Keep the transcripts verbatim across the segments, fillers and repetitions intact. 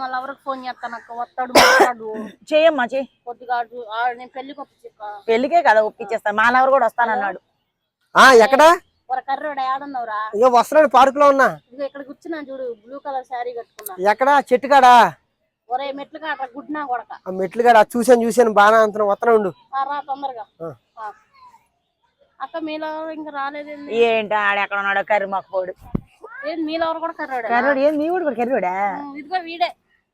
మళ్ళీ ఎవరికి ఫోన్ చేస్తాను అక్క వస్తాడు మాట్లాడు చేయమ్మా చెయ్యి కొద్దిగా నేను పెళ్లికి ఒప్పించక్క పెళ్లికే కదా ఒప్పించేస్తా మా నవరు కూడా వస్తానన్నాడు ఎక్కడ కర్రోడా ఏడున్నావురా ఇక వస్తున్నాడు పార్క్ లో ఉన్నా ఇదిగో ఇక్కడ కూర్చున్నా చూడు బ్లూ కలర్ శారీ కట్టుకున్నా ఎక్కడ చెట్టు కాడా ఒరే మెట్లు కాడ గుడ్నా కొడక ఆ మెట్లు కాడ చూసాను చూసాను బాగా అంత వస్తున్నా ఉండు రా తొందరగా అక్క మీలో ఇంకా రాలేదండి ఏంటి ఆడ ఎక్కడ ఉన్నాడో కర్రీ మాకు పోడు ఏది మీలో కూడా కర్రోడా కర్రోడు ఏం మీ కూడా కర్రోడా ఇదిగో వీడే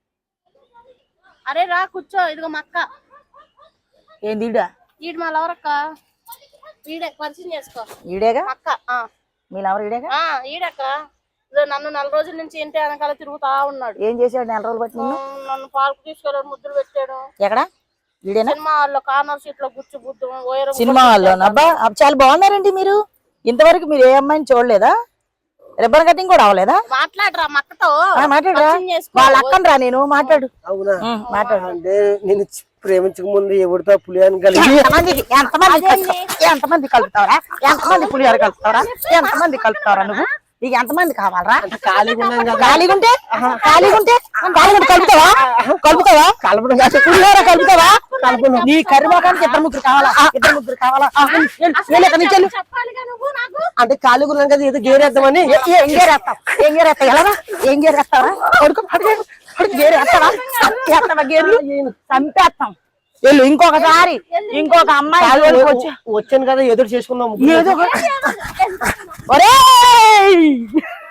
అరే రా కూర్చో ఇదిగో మా అక్క ఏంది ఈడా ఈడు మా లవరక్క వీడే పరిచయం చేసుకో ఈడేగా అక్క మీ లవర్ ఈడేగా ఈడక్క నన్ను నెల రోజుల నుంచి ఇంటి వెనకాల తిరుగుతా ఉన్నాడు ఏం చేసాడు నెల రోజులు బట్టి నన్ను పార్కు తీసుకెళ్ళాడు ముద్దులు పెట్టాడు ఎక్కడ ఈడేనా సినిమా హాల్లో కార్నర్ సీట్ లో కూర్చు బుద్ధు సినిమా హాల్లో అబ్బా చాలా బాగున్నారండి మీరు ఇంతవరకు మీరు ఏ అమ్మాయిని చూడలేదా రిబ్బన్ కటింగ్ కూడా అవ్వలేదా మాట్లాడరా మక్కతో మాట్లాడరా వాళ్ళ అక్కనరా నేను మాట్లాడు అవునా మాట్లాడు అంటే నేను ప్రేమించక ముందు ఎవరితో పులియాని కలిగి ఎంతమందికి ఎంతమంది ఎంతమంది కలుపుతావరా ఎంతమంది పులిహోర కలుపుతావరా ఎంతమంది కలుపుతావరా నువ్వు నీకు ఎంతమంది కావాలరా ఖాళీగా ఉన్నాను కదా ఖాళీగా ఉంటే ఖాళీగా ఉంటే ఖాళీగా కలుపుతావా కలుపుతావా కలపడం పులిహోర కలుపుతావా కలుపు నీ కరిమాకానికి ఇద్దరు ముగ్గురు కావాలా ఇద్దరు ముగ్గురు కావాలా అంటే ఖాళీగా ఉన్నాను కదా ఏదో గేరేద్దామని ఏం గేరేస్తావు ఏం గేరేస్తావు ఎలా ఏం గేరేస్తావా కొడుకు గేరేస్తావా ఎత్తవా గేర్లు చంపేస్తాం వెళ్ళు ఇంకొకసారి ఇంకొక అమ్మాయి వచ్చాను కదా ఎదురు చేసుకున్నాము ఏదో ఒరేయ్